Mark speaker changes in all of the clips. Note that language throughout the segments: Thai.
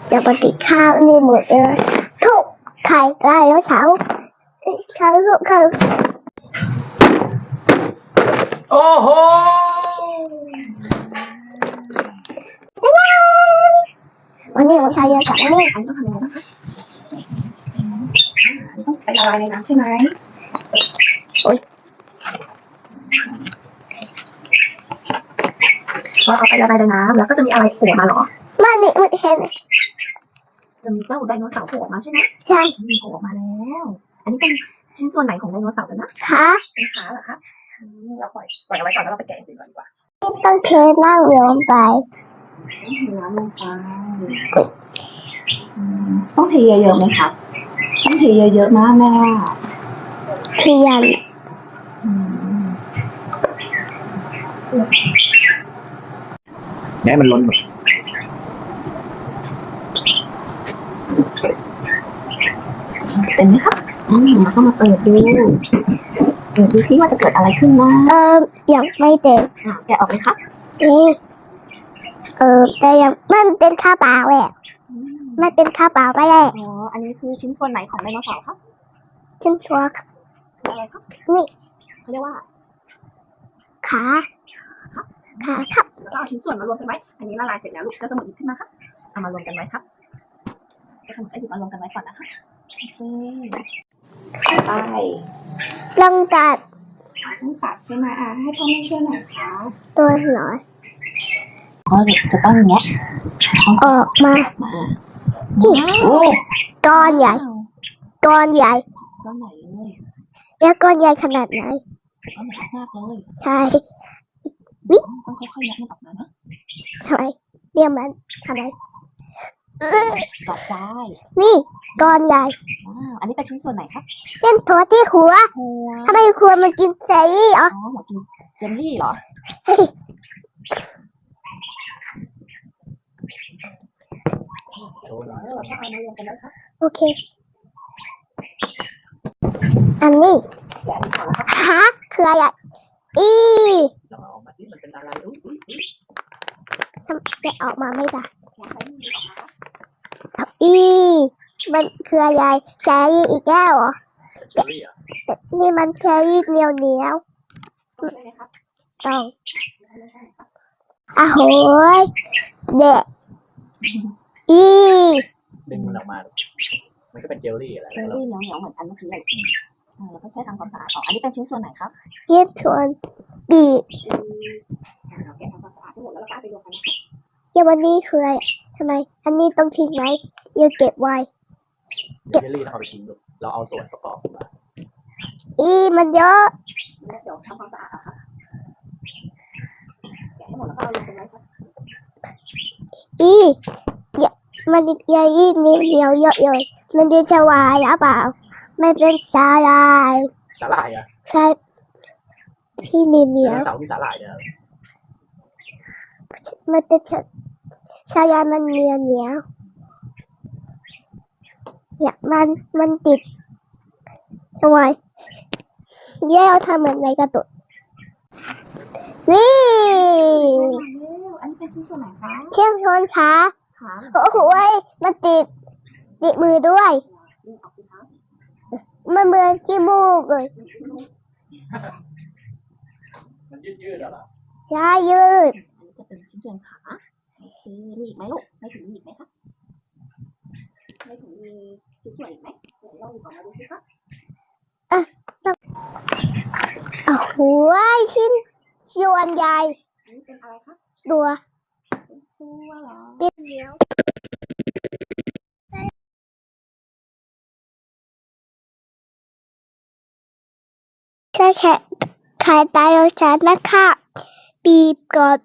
Speaker 1: จะปฏิข้าวนี่หมดเลยทุกไข่ไก่แล้วเช้าลูกไข่
Speaker 2: โอ้โห
Speaker 1: วันนี้ผมใช้เยอะจังวันนี้
Speaker 2: อันนี้ต้องทำยังไงนะคะต้องไปละลายในน้ำใช่ไหม
Speaker 1: โอ๊ย
Speaker 2: พอเอาไปละลายในน้ำแล้วก็จะมีอะไรโผล่มาหรอ
Speaker 1: มันนี่มันเห็น
Speaker 2: จะมีเจ้าไดโนเสาร์โผล่มาใช่ไหม
Speaker 1: ใช่
Speaker 2: มีโผล่มาแล้วอันนี้เป็นชิ้นส่วนไหนของไดโนเสาร์กันนะ
Speaker 1: ขา
Speaker 2: เป็นขาเหรอคะเราปล่อยเอาไว้ก่อนแล้วเราไปแกะสิ่งก่อนดีกว่า
Speaker 1: ต้องเทน้ำลงไป
Speaker 2: น้ำลงไปต้องเทเยอะๆไหมคะต้องเทเยอะๆนะแม่
Speaker 1: เทียน
Speaker 3: ให้มันล้นหมด
Speaker 2: เป็นไหมครับแล้วก็มาเปิดดูซิว่าจะเกิดอะไรขึ้นนะ
Speaker 1: ยังไม่เต็ม
Speaker 2: แกะออกเลยครับ
Speaker 1: นี่แต่ยังมันเป็นข้าวเปล่าแหละมันเป็นข้าวเปล่าไปแล้ว
Speaker 2: อ๋ออันนี้คือชิ้นส่วนไหนของไดโนเสาร์ครับ
Speaker 1: ชิ้นส่วน
Speaker 2: อะไรครับ
Speaker 1: นี่
Speaker 2: เขาเรียกว่า
Speaker 1: ขาครับ
Speaker 2: แล้วก็เอาชิ้นส่วนมารวมกันไว้อันนี้ละลายเสร็จแล้วลูกก็จะหมดหยิบขึ้นมาครับเอามารวมกันไว้ครับก็ทำให้หยิบมารวมกันไว้ก่อนนะคะโอเคไป
Speaker 1: ลองตัด
Speaker 2: ใช่ไหมให้พ่อแม่ช่วยหน่อยค่ะ
Speaker 1: ตัวหน่อย
Speaker 2: ก็จะต้องแงะ
Speaker 1: ออกมาก้อนใหญ่ก้อนใหญ่
Speaker 2: เลย
Speaker 1: แล้วก้อนใหญ่ขนาดไหน
Speaker 2: ก้อนใหญ่มากเลย
Speaker 1: ใช่
Speaker 2: นี่ต้องค่อยๆยัดมันออกมานะ
Speaker 1: ทำไมเนี่ยมันทำไม
Speaker 2: ต่อไป
Speaker 1: นี่ก้อนใหญ่
Speaker 2: อันนี้เป็นชิ้นส่วนไหนครับ
Speaker 1: เป็นตัวที่หัวทำไมหัวมันกินเจลลี่อ๋อ
Speaker 2: หัวกินเจลลี่เหรอ
Speaker 1: โอเคอันนี้ฮะคืออะไร
Speaker 3: เราเอามาสิมันเป็นอะไร
Speaker 1: จะออกมาไม่ได้มันคืออะไรแครี่อีกแล้วเหรอนี่มันแครี่เหนียวต้องโหยเด็ก
Speaker 3: ดึงมันออกมามันก็เป็นเจลลี่อะไร
Speaker 2: เจลลี่เหนียวเหมือนกันเมื่อกี้เลยแล้วก็แค่ทำความสะอาดออกอันนี้เป็นชิ้นส่วนไหนครับ
Speaker 1: ชิ้นส่วนปีกอย่างวันนี้คืออะไรทำไมอันนี้ต้องทิ้งไว้ยังเก็บไว้
Speaker 3: เจลลี่เราเอาไปทิ้งเราเอาส่วนประกอบมา
Speaker 1: มันเยอะ
Speaker 2: เดี๋ยวทำความสะอาดค่ะแกะให้หมดแล้วก็เอาลงไปไว้ครับ
Speaker 1: มันเดียวเยอะเลยมันเป็นชาวายหรือเปล่าไม่เป็นสาลายใช่ที่เหนียว
Speaker 3: เสาที่สาลายเนี่ย
Speaker 1: มันเป็นชายามันเหนียวเนี่ยมันติดทำไมแย่ทำเหมือนในกระตุกนี่
Speaker 2: อันนี้เป็นชิ้นส่วนไหนคะ
Speaker 1: ชิ้นส่วนขาโอ้โหมันติดมือด้วยมันเหมือนขี้มูกเลย
Speaker 3: มันยืดเหรอ
Speaker 1: ใช่ยืด
Speaker 2: จะเป็นชิ้นส่วนขาโอเคมีอีกไหมลูกไม่ถึงมีอีกไหมคะไม่ถึงมีชิ้นส่วนอีกไหมเดี๋ยวเราดูก่อนมาดูสิคะ
Speaker 1: โอ้โหชิ้นส่วนใหญ่
Speaker 2: อันนี้เป็นอะไรคะ
Speaker 1: ตัว
Speaker 2: เหรอ
Speaker 1: เป็นเหนียวใช่แค่ขายตายแล้วฉันนะคะปีบกด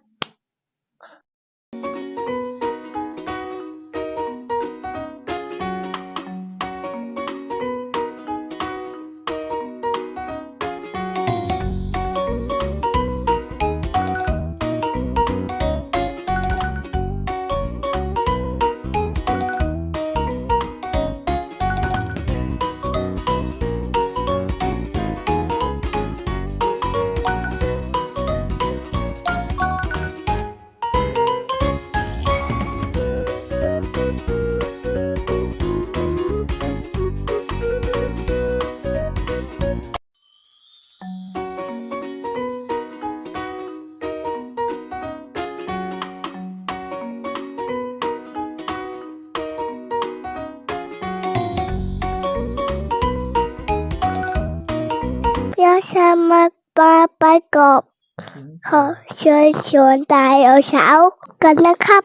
Speaker 1: มาประกอบขอเชิญชวนไดโนเสาร์กันนะครับ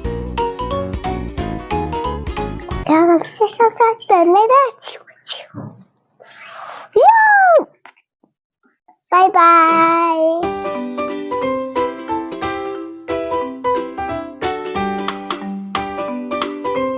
Speaker 1: แล้วเราจะเต้นไม่ได้ชิว